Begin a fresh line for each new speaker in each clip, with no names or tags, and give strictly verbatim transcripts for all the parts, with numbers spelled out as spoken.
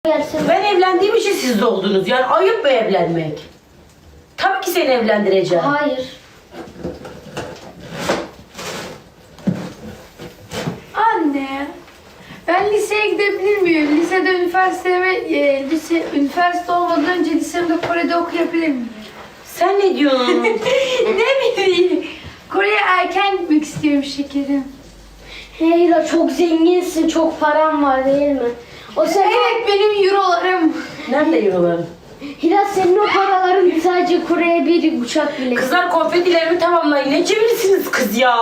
Gelsin.
Ben evlendiğim için siz de oldunuz. Yani ayıp mı evlenmek? Tabii ki seni evlendireceğim.
Hayır.
Anne, ben liseye gidebilir miyim? Lisede üniversiteme, e, lise, üniversite olmadan önce lisemde Kore'de okuyabilir miyim?
Sen ne diyorsun?
Ne bileyim. Kore'ye erken gitmek istiyorum şekerim.
Heyla çok zenginsin, çok paran var değil mi? O senin,
Evet, benim eurolarım.
Nerede euroların?
Hira senin o paraların sadece Kore'ye bir uçak bile.
Kızlar konfetilerimi tamamlayın. Ne çevirsiniz kız ya?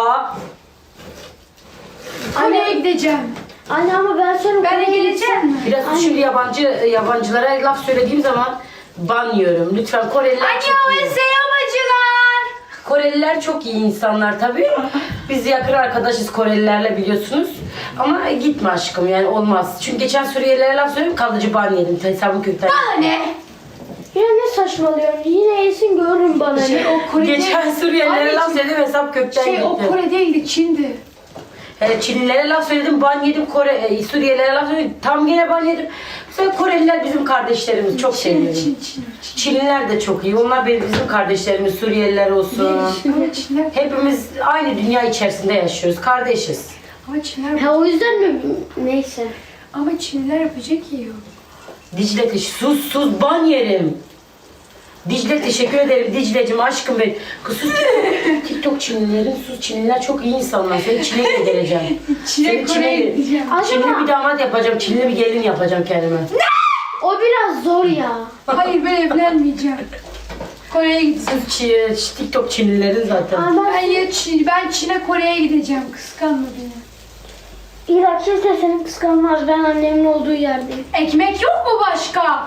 Kore'ye gideceğim.
Anne ama ben sonra
Ben de
Kore'ye
geleceğim mi?
Biraz
Anne.
şimdi yabancı yabancılara laf söylediğim zaman ban yiyorum. Lütfen Koreliler
Anne,
çok
o
iyi.
yapacılar.
Koreliler çok iyi insanlar tabii. Biz yakın arkadaşız Korelilerle biliyorsunuz. Ama gitme aşkım yani olmaz. Çünkü geçen Suriyelilere laf söyledim kalıcı ban yedim. Hesabım kökten.
Anne.
Yine ne saçmalıyorsun? Yine iyisin görürüm bana.
Şey, o Kore'de...
Geçen Suriyelilere laf söyledim hesap kökten
Şey,
gitti.
o Kore değildi, Çin'di.
He, Çinlilere laf söyledim, ban yedim. Kore, e, Suriyelilere laf söyledim, tam gene ban yedim. Mesela Koreliler bizim kardeşlerimiz, çok
Çin,
seviyorum.
Çin, Çin, Çin.
Çinliler de çok iyi. Onlar benim bizim kardeşlerimiz, Suriyeliler olsun.
Ama Çinler,
Hepimiz aynı dünya içerisinde yaşıyoruz, kardeşiz.
ama Çinler,
Ha o yüzden mi? Neyse.
ama Çinliler yapacak yiyor.
Dicle teş sus sus ban yerim. Dicle teşekkür ederim Dicle'cim aşkım benim. Kız sus TikTok, TikTok Çinlilerin sus Çinliler çok iyi insanlar. Seni Çin'e göndereceğim.
Çin'e,
Seni
Kore'ye
Çin'e
gideceğim.
Acaba
Çinli bir damat yapacağım, Çinli bir gelin yapacağım kendime.
o biraz zor ya.
Hayır, ben evlenmeyeceğim. Kore'ye gideceğim.
Sırf Çi- TikTok Çinlilerin zaten.
Ama
Ben ya Çin, ben Çin'e Kore'ye gideceğim. Kıskanma beni.
Hira kimse seni kıskanmaz. Ben annemin olduğu yerdeyim.
Ekmek yok mu başka?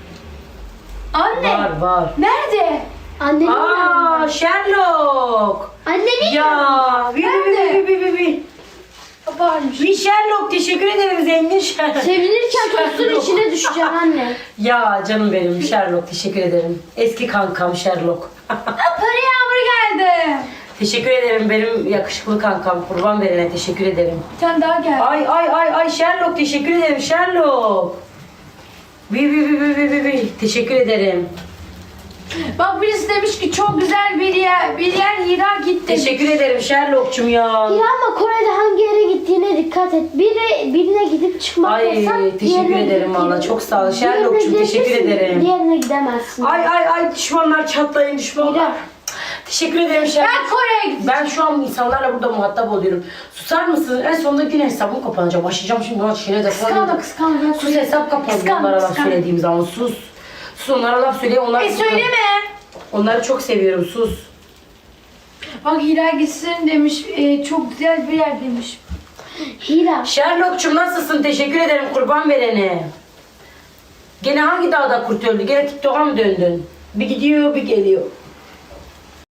Anne.
Var var.
Nerede?
Annemin
Aa
yanında.
Sherlock.
Annemin yanında.
Ya bir bir bir bir bir bir.
Varmış.
Bir Sherlock teşekkür ederim zengin Sherlock.
Sevinirken tostun
Sherlock.
içine düşeceğim anne.
Ya canım benim Sherlock teşekkür ederim. Eski kankam Sherlock.
Para yağmuru geldi.
Teşekkür ederim benim yakışıklı kankam. Kurban verene teşekkür ederim.
Bir tane daha geldi.
Ay ay ay ay Sherlock teşekkür ederim Sherlock. Bir bir bir bir bir bir bir. Teşekkür ederim.
Bak birisi demiş ki çok güzel bir yer, bir yer Hira git demiş.
Teşekkür ederim Sherlock'cum ya.
Hira ama Kore'de hangi yere gittiğine dikkat et. Biri, birine gidip çıkmak
Ay,
yasak.
teşekkür
diğerine
ederim
gidip-
valla, çok sağ ol.
Diğerine
Sherlock'cum, teşekkür
gidebilirsin,
ederim.
Diğerine gidemezsin.
Ay ay ay düşmanlar çatlayın düşmanlar.
Hira.
Teşekkür ederim Sherlock.
Ben Kore'ye gideceğim.
Ben şu an insanlarla burada muhatap oluyorum. Susar mısın? En sonunda yine hesabım kapanacak. Başlayacağım şimdi buna şeyine de
Kıskanma kıskanma. Ben
Sus hesap kapandı
Kıskanma,
onlara laf
kıskanma.
söylediğim zaman sus. Sus onlara laf söyle onlar.
E söyleme.
Onları çok seviyorum sus.
Bak Hira gitsin demiş. e, çok güzel bir yer demiş.
Hira.
Sherlock'cum nasılsın? Teşekkür ederim kurban verene. Gene hangi dağda kurt öldü? Gene TikTok'a mı döndün? Bir gidiyor bir geliyor.